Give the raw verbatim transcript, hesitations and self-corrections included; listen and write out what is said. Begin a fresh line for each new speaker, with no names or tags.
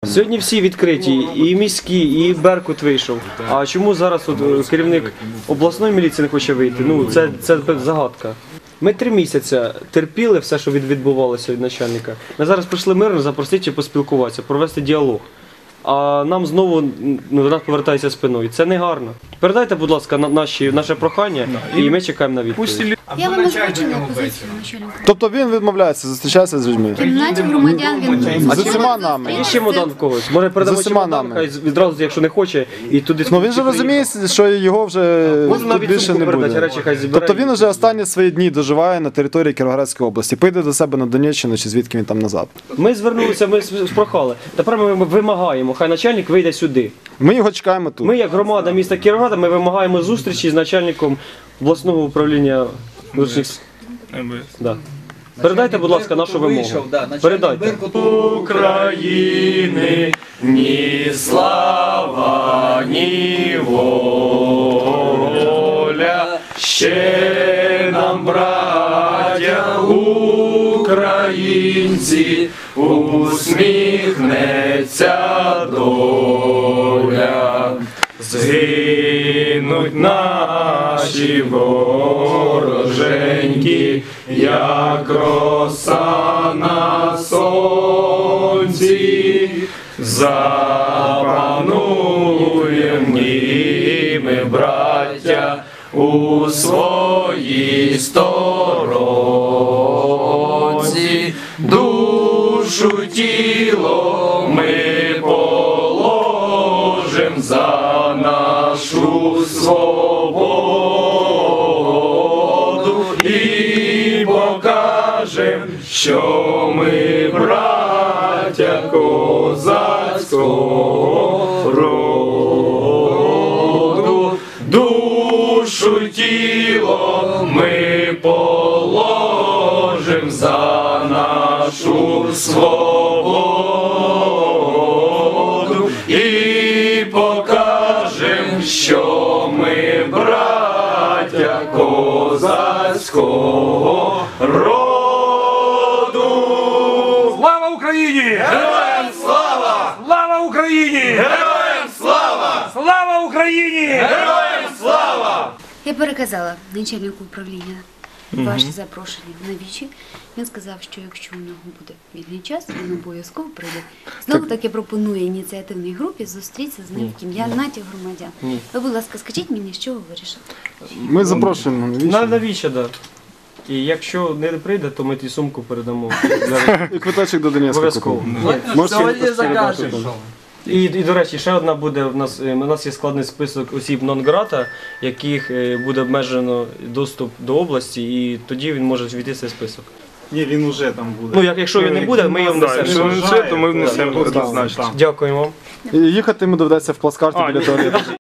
Сьогодні всі відкриті, і міські, і Беркут вийшов. А чому зараз от керівник обласної міліції не хоче вийти? Ну, це, це загадка. Ми три місяці терпіли все, що відбувалося від начальника. Ми зараз прийшли мирно запросити поспілкуватися, провести діалог. А нам знову ну, до нас повертається спиною. Це не гарно. Передайте, будь ласка, на наші, наше прохання, і ми чекаємо на відповідь.
Я вам озвучила позицію начальника.
Тобто він відмовляється зустрічатися з людьми?
В кімнаті громадян він...
З усіма нами?
Є ще чемодан в когось. Може передамо
З усіма
чемодан,
нами.
хай відразу, якщо не хоче, і туди...
Ну він же розуміє, що його вже
Можна
тут
навіть
більше
сумку
не
передати,
буде.
речі хай збирає.
Тобто він вже останні свої дні доживає на території Кіровоградської області. Поїде до себе на Донеччину чи звідки він там назад.
Ми звернулися, ми спрохали. Тепер ми вимагаємо, хай начальник вийде сюди.
Ми його чекаємо тут.
Ми, як громада міста Кіровограда, ми вимагаємо зустрічі з начальником обласного управління внутрішніх справ. Да. Передайте, будь ласка, нашу вимогу. Передайте. України ні слава, ні воля, ще нам, браття українці, усміхнеться доля. Згинуть наші вороженьки, як роса на сонці, запануєм і ми, браття, у своїй сторонці, душу тіло ми положим за нашу свободу і покажем, що ми браття козацького роду. Душу тіло ми положим за нашу свободу і покажем, що ми браття козацького роду.
Слава Україні!
Героям слава!
Слава Україні!
Героям слава!
Слава Україні!
Героям слава!
Я переказала начальнику управління ваші запрошення на вічі. Він сказав, що якщо у нього буде вільний час, він обов'язково прийде. Знову таки пропонує ініціативній групі зустрітися з ним в кімнаті громадян. Ви, будь ласка, скажіть мені, що ви вирішили?
Ми запрошуємо на
На
вічі.
навіщо, так. І якщо не прийде, то ми ті сумку передамо.
І квиточок до Донецька
Обов'язково.
купимо.
Ні.
Можеш
Сьогодні
ще
закажеш.
передати.
І, і, до речі, ще одна буде, в нас, е, у нас є складний список осіб нон-грата, яких е, буде обмежено доступ до області, і тоді він може війти в цей список.
Ні, він уже там буде.
Ну, як, якщо він не буде, ми його
Так, якщо
внесемо.
він все, то ми внесемо однозначно.
Дякуємо вам.
І їхати йому доведеться в плацкарті біля туалету.